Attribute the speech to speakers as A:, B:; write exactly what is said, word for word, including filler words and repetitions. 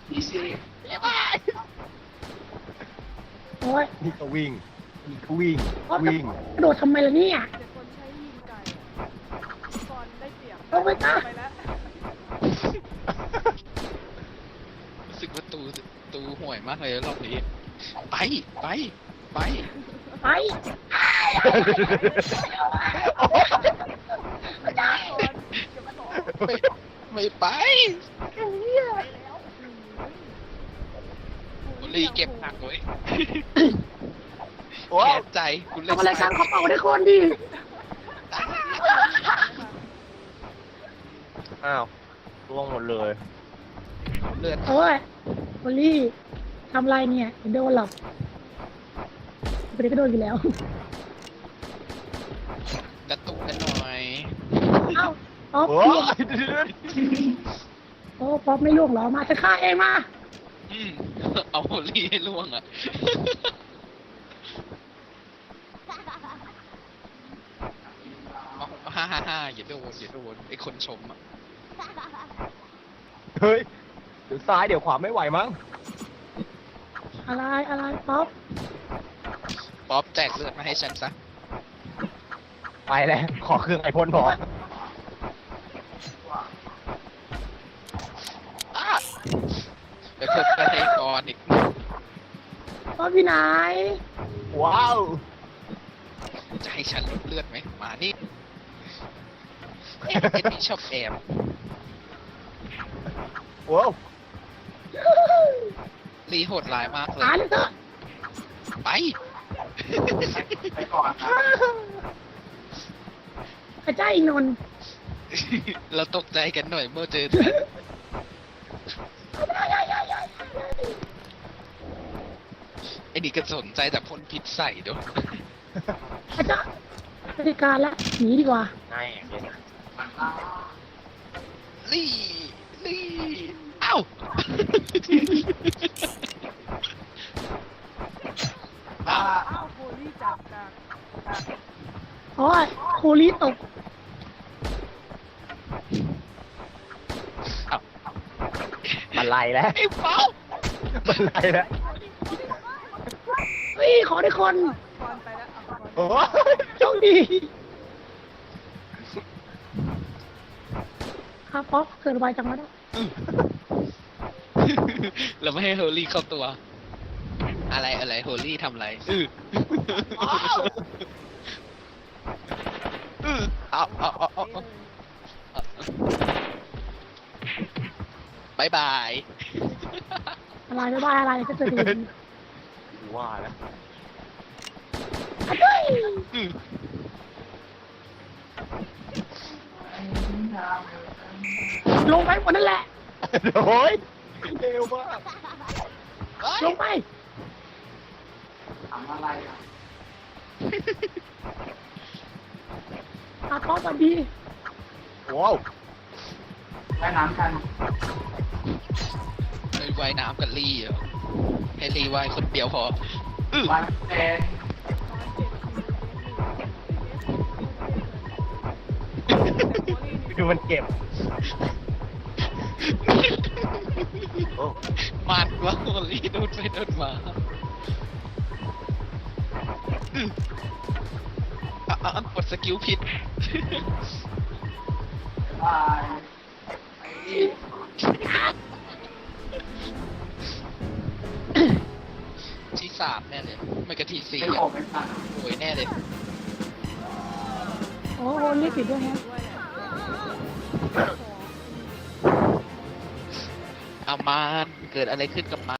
A: โอ้ย
B: นี่ก็วิ่งนี่ก็วิ่ง
A: โอ๊ย
B: วิ่ง
A: กระโดดทำไมล่ะเนี่ย
C: เดี๋ยวคนใช้ยิงไก่ก่อนได้เปรียบ
A: ลงไปจ้ะ
C: ไปแล้ว
D: รู้สึกว่าตูตูห่วยมากเลยรอบนี้ ไปไปไป
A: ไป
C: ไม่ได้ก่อนเก็บของ
D: ไม่ไม่ไป
A: ไอ้เหี้ย
C: ไปแล้ว
D: บุรีเก็บหักไว้
B: โอ้
D: แขนใจคุณเล่น
A: ทำอะไรกันเขาเป่าได้คนดิ
B: อ้าวร่วงหมดเลย
D: เลือด
A: โอ้ยโอลี่ทำอะไรเนี่ยเดี๋ยวโดนหรอกไปเดี๋ยวก็โดนอยู่แล้ว
D: กระตุกกันหน่อย
A: เอ้าป๊อป
B: โอ้
A: ล่วง
B: ยเดี๋ยว
A: โอ้ป๊อปไม่ล่วงเหรอมาจะฆ่าเองมา
D: อืมเอาโฮลี่ให้ล่วงอ่ะเอาฮ่าฮ่าฮ่าอย่าโดนอย่าโดนไอคนชมอ่ะ
B: เฮ้ยเดี๋ยวซ้ายเดี๋ยวขวาไม่ไหวมั้ง
A: อะไรอะไรป๊อป
D: ป๊อปแจกเลือดมาให้ฉันซะ
B: ไปแล้วขอเครื่องไอพ่นพอ
D: อ้าไปเพิ่มกระเทกรอีก
A: ป๊อปอยู่ไหน
B: ว้าว
D: จะให้ฉันลดเลือดไหมมานี่เอ๊ะไอ้นี่ชอบแอบ
B: ว้าว
D: รีโหดร้ายมากเลย
A: หาเลยเถอะ
D: ไป
A: พระเจ้าอีนนท์
D: เราตกใจกันหน่อยเมื่อเจอไอ้นี่ก็สนใจแต่พ่นพิษใส่ด้วย
A: พระเจ้าบริการละหนีดีกว่า
B: ง่ายอย่างเงี้ย
D: ลี่ลี่เอ้า อ้าว
C: อ้าวโฮลี่จับกัน
A: โอ้ยโคลีตก
D: อ้าว
B: มันไล่แล้ว
D: ไอ้เป้า
B: มันไล่แล้ว
A: เฮ้ยขอได้คน
C: ก่อนไปแล้วเอาก่อน
B: โอ้ย
A: โชคดีครับป๊อปเกิดไวจังวะเนี่ย
D: เราไม่ให้โฮลี่เข้าตัว อะไรอะไรโฮลี่ทำอะไรอืออือเอาเอาเอาเอาเอาบายบาย
A: อะไรไม่ได้อะไรก็เจอดี
B: ว่าแล้ว
A: เฮ้ย
D: อือ
A: ลงไปหมดนั่นแหละ
B: โอ้ยเร็วมาก
A: ลงไป
E: ทำอะไรอ่ะ
A: อาป๊อปสวัสดี
B: ว้าว
E: ว่ายน้ำกัน
D: ไปว่ายน้ำกับลี่เหรอให้ลี่ว่ายคนเดียวพออือ
E: วันเป็น
B: ดูมันเก็บโอ้
D: มันว่าโฮลี่โดนไปโดนมาอืออ่ะอ่ะอ่ะกดสกิลผิด
E: บายไอ้นี่
D: ที่สามแน่เลย ไม่ก็ที่สี่
E: ไม่
D: อ่ะ
E: ผมไม่สั่ง
D: โวยแน่เลย
A: โอ้โหเรียกผิดด้วยฮะ
C: ด้วยแหละ
D: อามานเกิดอะไรขึ้นกับมัน